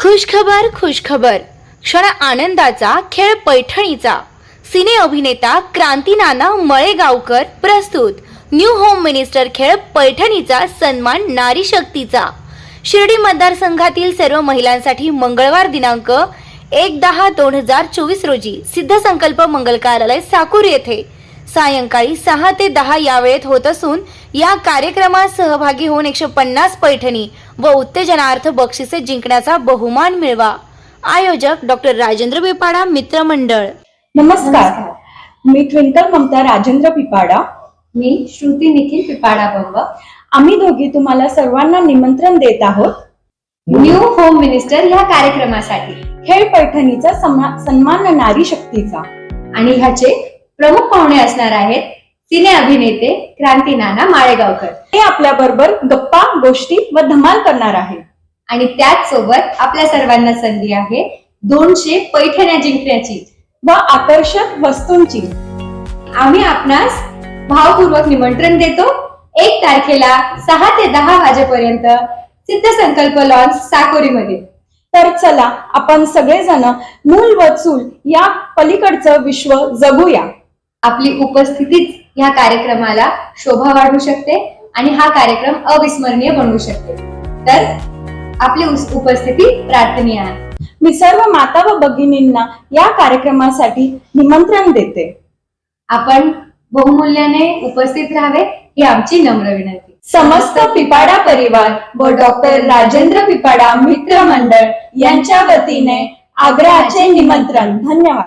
खुशखबर क्षण आनंदाचा, खेळ पैठणीचा। सिने अभिनेता क्रांतीनाना मळेगावकर प्रस्तुत न्यू होम मिनिस्टर खेळ पैठणीचा सन्मान नारी शक्तीचा। शिर्डी मतदारसंघातील सर्व महिलांसाठी मंगळवार दिनांक 1/10/2024 रोजी सिद्ध संकल्प मंगल कार्यालय साकूर येथे सायंकाळी 6 ते 10 या वेळेत होत असून या कार्यक्रमात सहभागी होऊन 150 पैठणी व उत्तेजनार्थ बक्षिसे जिंकण्याचा बहुमान मिळवा। आयोजक डॉक्टर राजेंद्र पिपाडा मित्र मंडळ। नमस्कार, मी ट्विंकल ममता राजेंद्र पिपाडा। मी श्रुती निखिल पिपाडा बंब। आम्ही दोघी तुम्हाला सर्वांना निमंत्रण देत आहोत न्यू होम मिनिस्टर या कार्यक्रमासाठी। खेळ पैठणीचा सन्मान नारी शक्तीचा। आणि ह्याचे प्रमुख पाहुणे असणार आहेत सिने अभिनेते क्रांतीनाना माळेगावकर। ते आपल्या बरोबर गप्पा गोष्टी व धमाल करणार आहे। आणि त्याच सोबत आपल्या सर्वांना संधी आहे 200 पैठण्या जिंकण्याची व आकर्षक वस्तूंची। आम्ही आपणास भावपूर्वक निमंत्रण देतो 1 तारखेला 6 ते 10 वाजेपर्यंत सिद्ध संकल्प लॉन्स साकोरीमध्ये। तर चला आपण सगळेजण मूल व चूल या पलीकडचं विश्व जगूया। आपली उपस्थितीच या कार्यक्रमाला शोभा वाढवू शकते आणि हा कार्यक्रम अविस्मरणीय बनवू शकते। तर आपली उपस्थिती प्रार्थनीय आहे। मी सर्व माता व भगिनींना या कार्यक्रमासाठी निमंत्रण देते। आपण बहुमूल्याने उपस्थित राहावे ही आमची नम्र विनंती। समस्त पिपाडा परिवार व डॉक्टर राजेंद्र पिपाडा मित्र मंडळ यांच्या वतीने आग्रहाचे निमंत्रण। धन्यवाद।